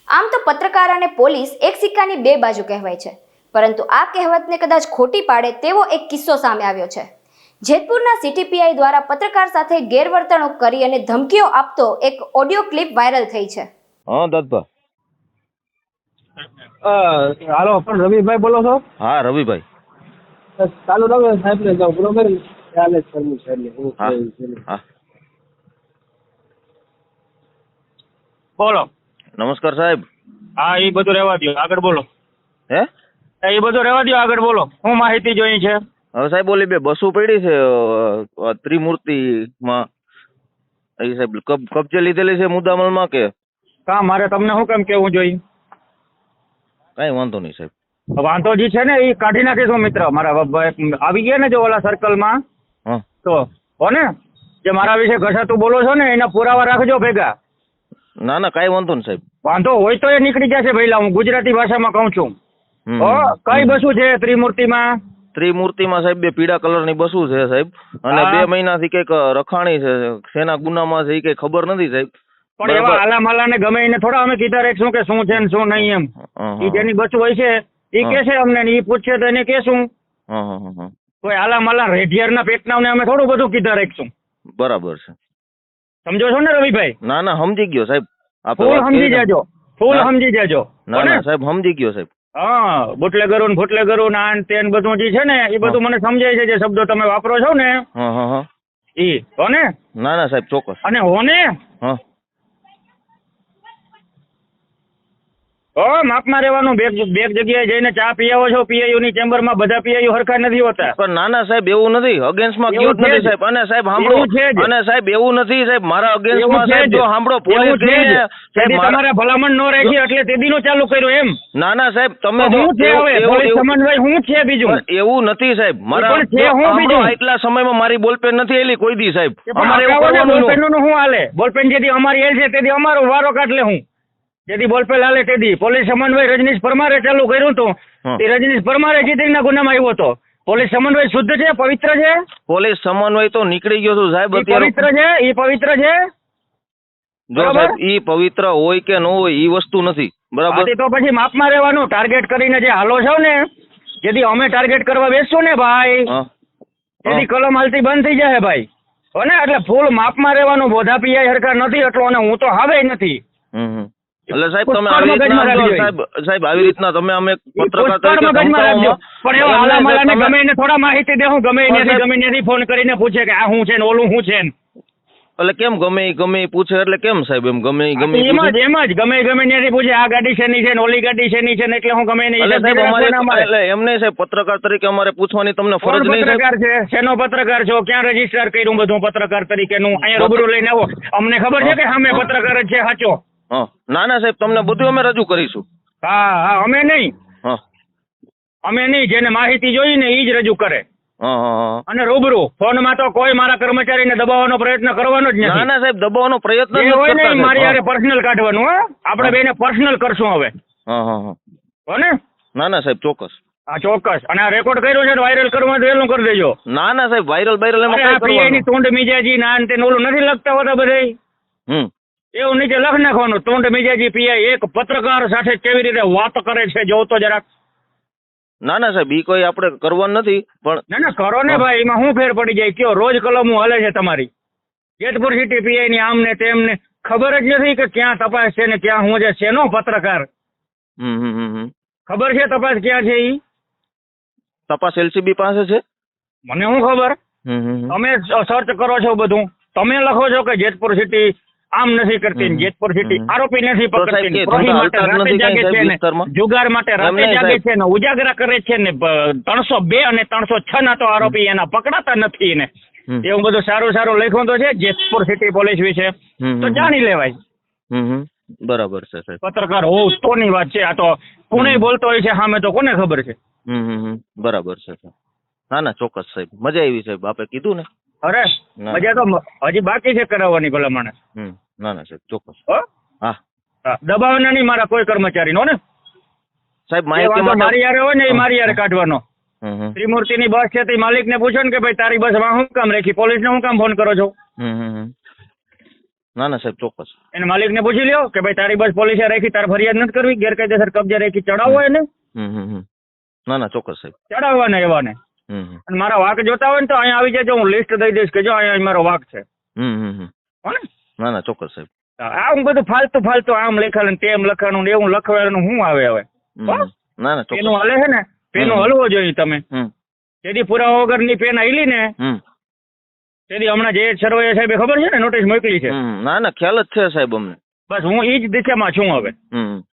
આમ તો પત્રકાર અને પોલીસ એક સિક્કાની બે બાજુ કહેવાય છે, પરંતુ આ કહેવતને કદાચ ખોટી પાડે તેવો એક કિસ્સો સામે આવ્યો છે। જેતપુરના સિટી પીઆઈ દ્વારા પત્રકાર સાથે ગેરવર્તણૂક કરી અને ધમકીઓ આપતો એક ઓડિયો ક્લિપ વાયરલ થઈ છે। હા દત્તભા। હાલો પણ રવિભાઈ બોલો છો? હા રવિભાઈ। ચાલુ રાખો સાહેબ ને જાઓ બરોબર ચાલે જ કરવું છે એટલે હું હા કહું છું। હા બોલો। નમસ્કાર સાહેબ। હા એ બધું રહેવા દો, આગળ બોલો। હે એ બધું રહેવા દો, આગળ બોલો। હું માહિતી જોઈ છે? હવે સાહેબ ઓલી બે બસો પડી છે ત્રિમૂર્તિમાં, એ સાહેબ કબજે લીધેલી છે મુદ્દામલમાં કે કા મારે તમને શું કેમ કેવું જોઈએ? કઈ વાંધો નહીં સાહેબ। વાંધો જે છે ને એ કાઢી નાખીશું મિત્ર મારા આવી ગયા ને જો ઓલા સર્કલમાં હા તો હો ને જે મારા વિશે ઘસાતું બોલો છો ને એના પુરાવા રાખજો ભેગા। ના ના કઈ વાંધો નહીં સાહેબ। વાંધો હોય તો એ નીકળી જશે ભઈલા, હું ગુજરાતી ભાષામાં કહું છું। કઈ બસું છે ત્રિમૂર્તિમાં? ત્રિમૂર્તિમાં સાહેબ બે પીળા કલરની બસું છે સાહેબ, અને હા। 2 મહિનાથી કઈક રખાણી છે, શેના ગુનામાં છે એ કઈ ખબર નથી સાહેબ। પણ એવા આલા માલા ને ગમે એને થોડા અમે કીધા રાખશું કે શું છે ને શું નહીં એમ। ઈ જેની બસું હોય છે એ કે છે અમને ને ઈ પૂછશે તો એને કેશું। કોઈ આલા માલા રેઢિયારના પેટના અમે થોડું બધું કીધા રાખશું। બરાબર છે, સમજો છો ને રવિભાઈ? ના ના સમજી ગયો સાહેબ। ફૂલ સમજી જાજો, ફૂલ હા। સમજી જાજો। ના ના સાહેબ સમજી ગયો સાહેબ। હા બુટલેગરો ને ફૂટલેગરો ને આન તેન બધું જે છે ને એ બધું મને સમજાય છે, જે શબ્દો તમે વાપરો છો ને હા હા હા ઈ હો ને? ના ના સાહેબ ચોક્કસ। અને હો ને હા માપમાં રહેવાનું। બે જગ્યાએ જઈને ચા પી આવો છો પીઆઈયુ ની ચેમ્બરમાં, બધા પીઆઈયુ હરખા નથી હોતા। પણ ના ના સાહેબ એવું નથી, અગેન્સ્ટમાં એવું ગયો જ છે નથી જ। સાહેબ। અને સાહેબ સાંભળો, એવું છે જ। અને સાહેબ એવું નથી સાહેબ મારા અગેન્સ્ટમાં એવું છે સાહેબ, જ। જો સાંભળો એવું પોલીસ છે જ। ગઈને સાહેબ તેથી તમારે ભલામણ ન રાખી એટલે તે દીનું ચાલુ કર્યું એમ? ના ના સાહેબ તમે તો જો હું છે હવે પોલીસ સમન્વય હું છે બીજું? પણ એવું નથી સાહેબ, મારા પણ છે જો હું સાંભળો, બીજું? આટલા સમયમાં મારી બોલપેન નથી એલી કોઈ દી સાહેબ। અમારે એવું અમારે કરવાનું બોલપેન ન। નું શું હાલે? બોલપેન જેથી અમારી એલ છે તેથી અમારો વારો કાઢલે હું જેથી બોલપેન હાલે તેથી પોલીસ સમન્વય રજનીશ પરમારે ચાલુ કર્યું હતું। હા। તે રજનીશ પરમારે ચીતરીના ગુનામાં આવ્યો હતો। પોલીસ સમન્વય શુદ્ધ છે, પવિત્ર છે? પોલીસ સમન્વય તો નીકળી ગયો છું સાહેબ ઈ અત્યારે। પવિત્ર છે, ઈ પવિત્ર છે? જો બરાબર? સાહેબ ઈ પવિત્ર હોય કે ન હોય ઈ વસ્તુ નથી, બરાબર? આથી તો પછી માપમાં રહેવાનું। ટાર્ગેટ કરીને જે હાલો છો ને, જેથી અમે ટાર્ગેટ કરવા બેસશું ને ભાઈ, હા તેથી કલમ હાલતી બંધ થઈ જાય ભાઈ હો ને? એટલે ફૂલ માપમાં રહેવાનું। બોધા પીઆઈ હરખા નથી એટલો, અને હું તો હવે નથી। એટલે સાહેબ તમે પુષ્કળ આવી રીતના મગજમાં સમજો, રાખજો। સાહેબ આવી રીતના તમે અમે પત્રકાર પુષ્કળ તરીકે મગજમાં રાખજો। પણ એવા આલા માલાને તમે- ગમે એને થોડા માહિતી દેવું, ગમે પણ એનાથી સાહેબ- ગમે એનાથી ફોન કરીને પૂછે કે આ શું છે ને ઓલું શું છે ને? એટલે કેમ ગમે ઈ પૂછે એટલે કેમ સાહેબ? એમ ગમે ઈ પૂછે? એમ જ ગમે એનાથી પૂછે આ ગાડી શેની છે ને ઓલી ગાડી શેની છે ને, એટલે હું ગમે એની એટલે હિસાબ સાહેબ અમારે રાખવાના અમારે। એટલે એમ નહીં સાહેબ, પત્રકાર તરીકે અમારે પૂછવાની તમને કોણ ફરજ નહીં સાહેબ? પત્રકાર છે? શેનો પત્રકાર છો? ક્યાં રજીસ્ટર કર્યું બધું પત્રકાર તરીકેનું? અહીંયા રૂબરૂ લઈને આવો, અમને ખબર છે કે સામે પત્રકાર જ છે સાચો। હા ના ના સાહેબ તમને બધું અમે રજૂ કરીશું। હા અમે નહીં, હા અમે નહીં, જેને માહિતી જોઈ ને એ જ રજૂ કરે। હા હા અને રૂબરૂ ફોનમાં તો કોઈ મારા કર્મચારીને દબાવવાનો પ્રયત્ન કરવાનો જ ના નથી। ના સાહેબ દબાવવાનો પ્રયત્ન જે નથી હોય ને કરતા એ મારી સાહેબ। હારે પર્સનલ કાઢવાનું હો, આપણે બેને પર્સનલ કરશું હવે હા હા હા હો ને? ના ના સાહેબ ચોક્કસ। હા ચોક્કસ। અને આ રેકોર્ડ કર્યો છે વાયરલ કરવા વહેલું કરી દેજો। ના ના સાહેબ વાયરલ એમાં અરે આ કઈ પીઆઈ ની કરવાનું? તૂંડ મિજાજી ના ને તેને ઓલું નથી લખતા હોતા બધાય, એવું નીચે લખ નાખવાનું તૂંડ મિજાજી પીઆઈ એક પત્રકાર સાથે કેવી રીતે વાત કરે છે જોતો જરાક। ના ના સાહેબ ઈ કોઈ આપણે કરવાનું નથી, પણ ના ના કરો ને ભાઈ, એમાં શું ફેર પડી જાય? કયો રોજ કલમો હાલે છે તમારી જેતપુર સિટી પીઆઈ ની આમ ને તેમ ને, ખબર જ નથી કે ક્યાં તપાસ છે ને ક્યાં હું છે? શેનો પત્રકાર? ખબર છે તપાસ ક્યાં છે? ઈ તપાસ એલસીબી પાસે છે। મને શું ખબર? તમે સર્ચ કરો છો બધું, તમે લખો છો કે જેતપુર સિટી આમ નથી કરતી, જેતપુર સિટી આરોપી નથી તો સાહેબ પકડતી, કે પ્રોહી ધંધા માટે હાલતા જ રાતે નથી જાગે કાંઈ છે સાહેબ ને વિસ્તારમાં? જુગાર માટે રાતે એમ નહીં જાગે સાહેબ। છે ને ઉજાગરા કરે છે ને 302 અને 306 ના તો આરોપી એના પકડાતા નથી ને એવું બધું સારું સારું લખ્યું તો છે જેતપુર સિટી પોલીસ વિશે, તો જાણી લેવાય। બરાબર છે સાહેબ। પત્રકાર હોવ તોની વાત છે, આ તો કોને બોલતો હોય છે સામે તો કોને ખબર છે? બરાબર છે સાહેબ। ના ના ચોક્કસ સાહેબ, મજા આવી સાહેબ, આપે કીધું ને। અરે ના. મજા તો હજી બાકી છે કરાવવાની ભલામણ ના ના સાહેબ ચોક્કસ। હો? હા હા, દબાવવાના નહીં મારા કોઈ કર્મચારી નો ને સાહેબ જે માહિતી વાંધો માટે મારી યારે હોય ને એ મારી યારે કાઢવાનો। હમ, ત્રિમૂર્તિની બસ છે તે માલિકને પૂછો ને કે ભાઈ તારી બસમાં શું કામ રાખી, પોલીસને શું કામ ફોન કરો છો? ના ના સાહેબ ચોક્કસ. એને માલિકને પૂછી લ્યો કે ભાઈ તારી બસ પોલીસે રાખી, તારે ફરિયાદ નથી કરવી, ગેરકાયદેસર કબજે રાખી, ચડાવો એને, ના ના ચોક્કસ સાહેબ. ચડાવવાને એવાને. અને મારા વાંક જોતા હોય ને તો અહીંયા આવી જાય, હું લિસ્ટ દઈ દઈશ કે જો અહીંયા મારો વાંક છે. હો ને? ના ના ચોક્કસ સાહેબ. આમ બધું ફાલતુ આમ લખાણ તેમ લખાણું ને એવું લખવાનું શું આવે હવે? ના ના પેનું ચોક્કસ. હાલે છે ને, પેનું હલવો જોઈએ તમે. તેથી પુરાવા વગરની પેન હાલી ને તેથી હમણાં જે સર્વે સાહેબે ખબર છે ને નોટિસ મોકલી છે. ના ના ખ્યાલ જ છે સાહેબ અમને. બસ હું ઈ જ દિશામાં છું હવે.